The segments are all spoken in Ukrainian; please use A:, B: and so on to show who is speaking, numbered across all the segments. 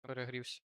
A: Перегрівся.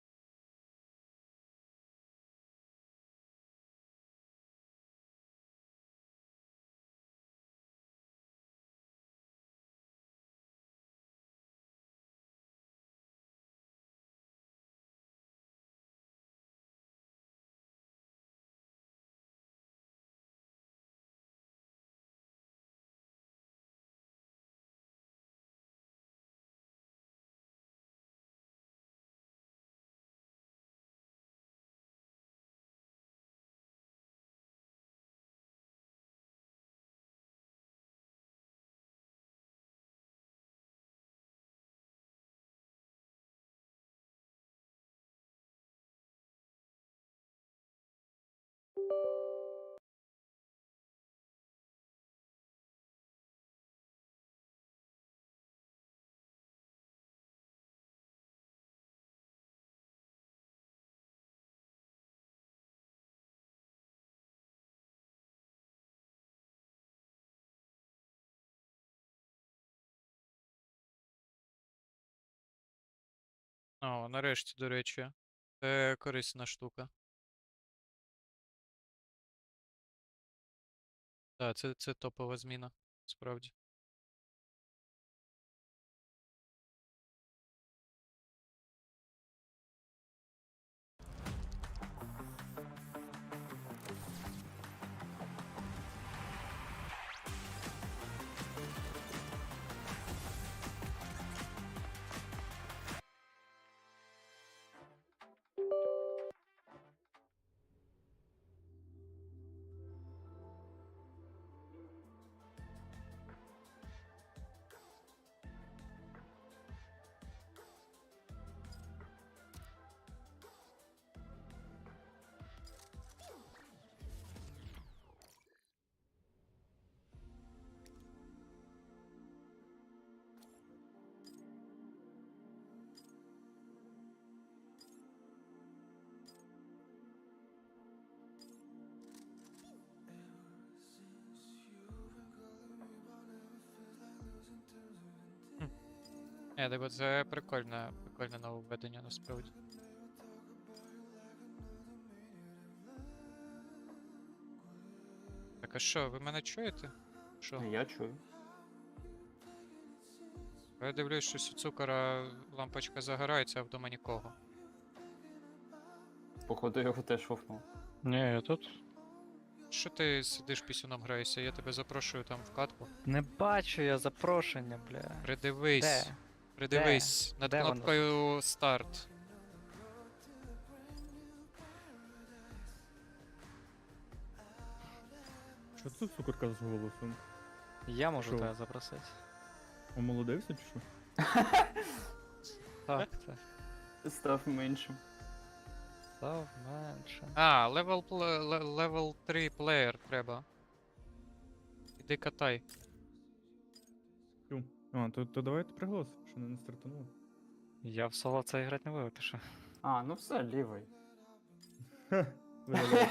A: О, нарешті, до речі. Це корисна штука. Так, це топова зміна, справді. Хм. Так це прикольне нововведення, насправді. Так, а що, ви мене чуєте? Що?
B: Я чую.
A: Я дивлюсь, що у цукора лампочка загорається, а вдома нікого.
B: Походу його теж вовнув.
C: Ні, я тут.
A: Що ти сидиш пісюном граєшся? Я тебе запрошую там в катку.
C: Не бачу я запрошення, бля.
A: Придивись.
C: Де?
A: Придивись. Над
C: Де воно?
A: кнопкою старт.
D: Що це цукорка з голосом?
C: Я можу
D: Що?
C: тебе запросити.
D: Омолодився чи що?
C: Так, це.
B: Став меншим.
C: Став менше.
A: А, level 3 плеєр треба. Іди катай.
D: Тю. А, то давайте приголос, що не стартануло.
C: Я в соло це грати не буду, ти що?
B: А, ну все, лівий.
D: Ха, видавай.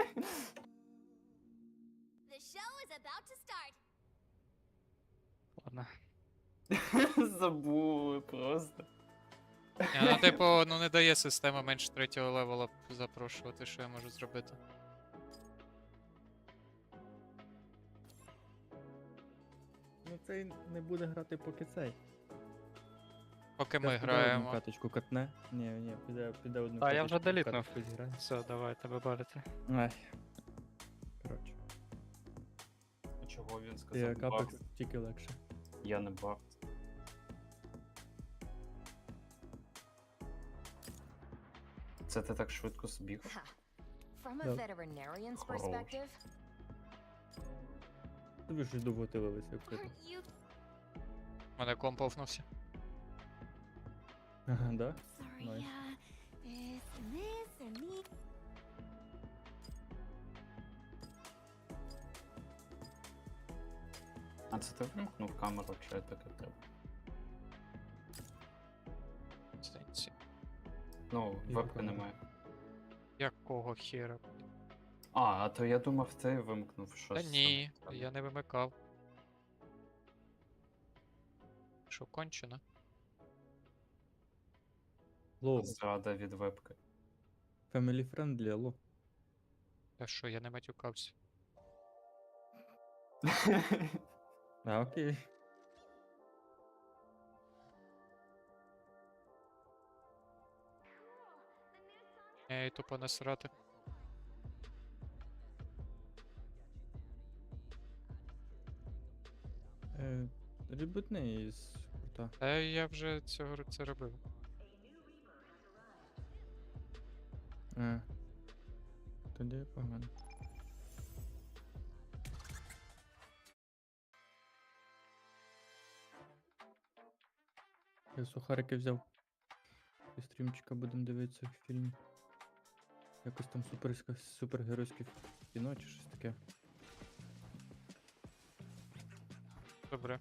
E: The show is about to start.
C: Ладно.
B: Забули просто.
A: Ну, типу, ну не дає система менше 3-го левела запрошувати, що я можу зробити.
D: Ну цей не буде грати поки цей.
A: Поки ми
D: Піде одну
A: граємо.
D: каточку катне. Ні, піде одну
C: А я вже
D: каточку
C: делітнув.
D: каточку зіграє.
C: Все, давай, тебе барити.
D: Ай. Коротше.
B: Чого він
D: Я
B: сказав?
D: капекс
B: Баф?
D: тільки легше.
B: Я не баф. Це ти так швидко збіг?
E: From a
D: Yep.
E: veterinarian's
B: Хорош.
E: perspective,
D: Тобі щось довго тилилися, як це.
E: aren't you
A: Мене комп офнувся.
D: Ага, да?
E: sorry?
D: Nice.
E: This and this and me.
B: А це ти вимкнув камеру, чи таке в тебе?
A: Здається.
B: Ну,
D: І
B: вебки
D: камеру.
B: немає.
A: Якого хера?
B: А то я думав, ти вимкнув щось.
A: Та ні,
B: саме.
A: я не вимикав. Що, кончено?
D: Ло,
B: Зрада від вебки.
D: family friendly, алло.
A: Та що, я не матюкався.
D: А, окей.
A: Я їй тупо насрати.
D: Ребутни із крута.
A: Та я вже це робив.
D: Тоді погано. Я сухарики взяв. І стрімчика будемо дивитися фільм. Якось там супергеройське кіно чи щось таке.
A: Добре.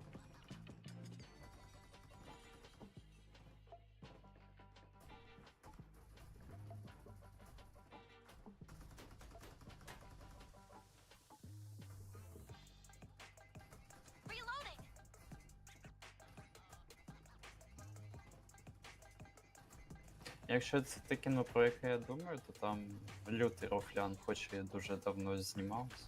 E: Reloading.
B: Якщо це те кіно, про яке я думаю, то там лютий рофлян, хоч і дуже давно знімався.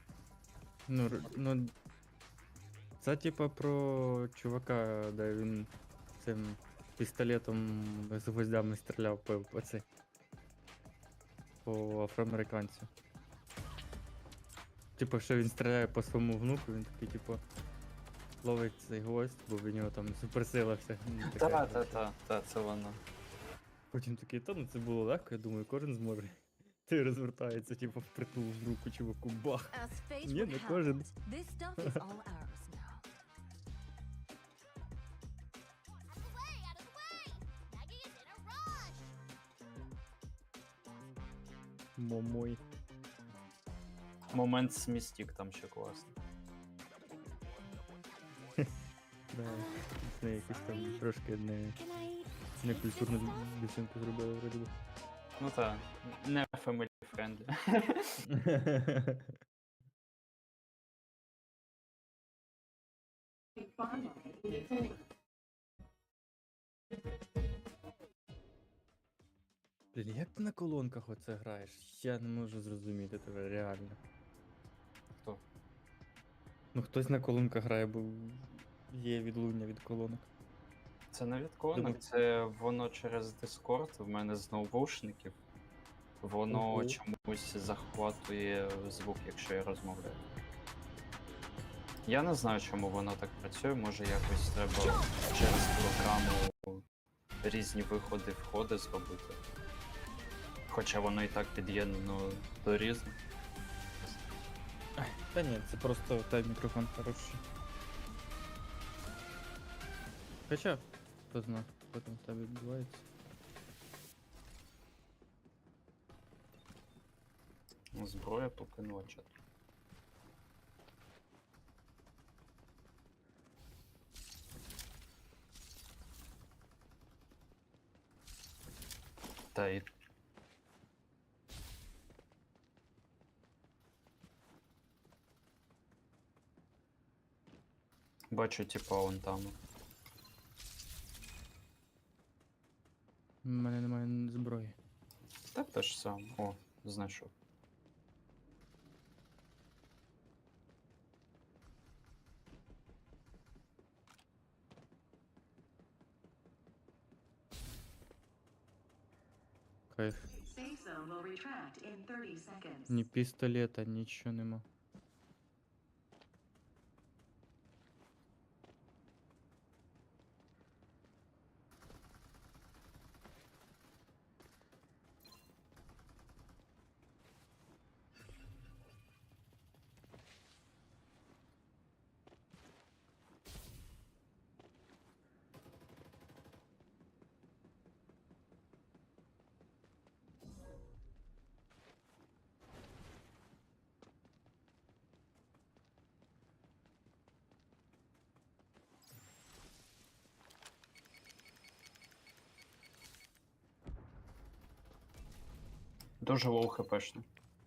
D: Ну, це типа про чувака, де він цим пістолетом з гвоздями стріляв по цей. По афроамериканцю. Типа, що він стріляє по своєму внуку, він такий, типу, ловить цей гвоздь, бо в нього там суперсила вся. ну, така,
B: Та, це воно.
D: Потім такий, та ну це було легко, я думаю, кожен зможе. Ти розвертається, типу, впритул в руку чуваку, бах.
F: As fate
D: Не,
F: would
D: не
F: have
D: кожен.
F: it, this stuff is all ours now.
E: Out of the way! Maggie is in a rush!
D: Момой.
B: Момент смістік там ще класний.
D: Да, це якось там трошки
E: Can I
D: некультурну дівчинку зробили вроді би.
B: Ну та, не family friendly.
D: Блін, як ти на колонках оце граєш? Я не можу зрозуміти тебе, реально.
B: Хто?
D: Ну хтось на колонках грає, бо є відлуння від колонок.
B: Це не від колонок,
D: Думаю.
B: це воно через Discord, в мене з ноутбушників. Воно
D: Ого.
B: чомусь захватує звук, якщо я розмовляю. Я не знаю, чому воно так працює, може якось треба через програму різні виходи, входи зробити. Хоча воно і так під'єднано до різних.
D: Та ні, це просто той мікрофон хороший. Хоча, хто знає, що там в тебе відбувається.
B: Зброя покинула чат. Та і бачу, типа, он там.
D: У мене немає зброї.
B: Так те ж саме. О, знайшов.
D: Кайф.
G: Safe zone will retract in 30 seconds.
D: Ні пістолета, нічого нема.
B: Дуже лоу хпшний.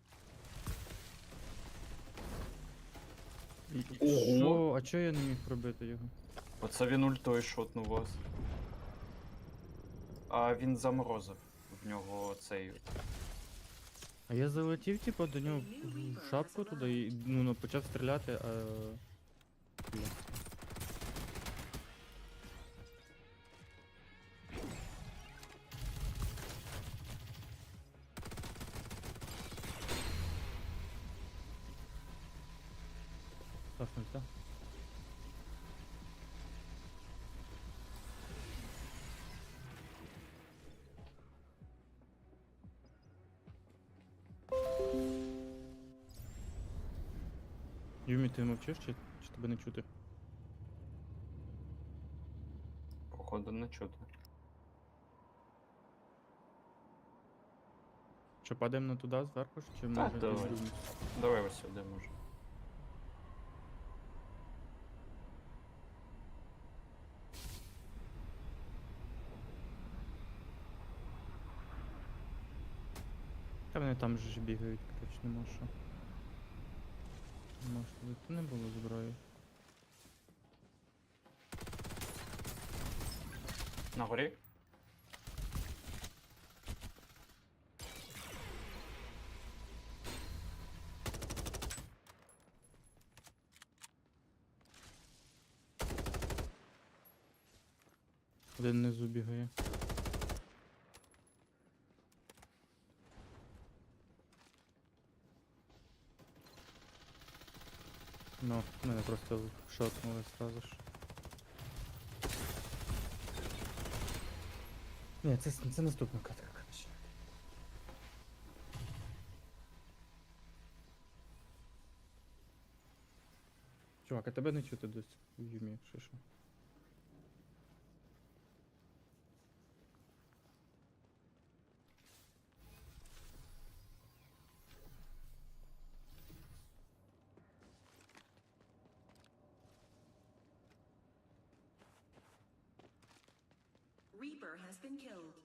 B: Ого.
D: Що? А чого я не міг пробити його?
B: Оце він ультою шотнув вас. А він заморозив. В нього цей.
D: А я залетів, типу, до нього в шапку туди і ну, почав стріляти, а. Бля. Тафнуть, так? Юмі, ти мовчиш чи тебе не чути?
B: Походу не чути.
D: Що, падаємо на туди зверху ж, чи
B: Так,
D: може
B: давай.
D: десь Юмі?
B: Давай ось сюди може.
D: Та вони там же ж бігають, коротше, нема що. Нема що тут не було зброї.
B: На горі?
D: Один внизу бігає. Ну, мене просто шотнули сразу ж. Ні, це наступна катка, коротше. Чувак, а тебе не чути досі в Юмі, що що?
G: Reaper has been killed.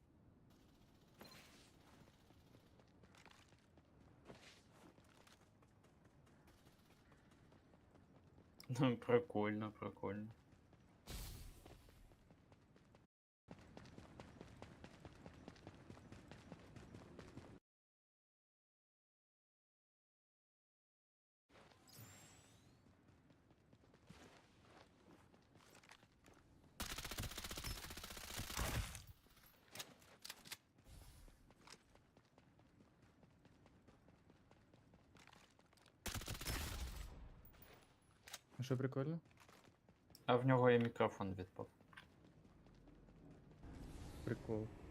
B: Ну, прикольно, прикольно.
D: А що прикольно?
B: А в нього і мікрофон відпав.
D: Прикол.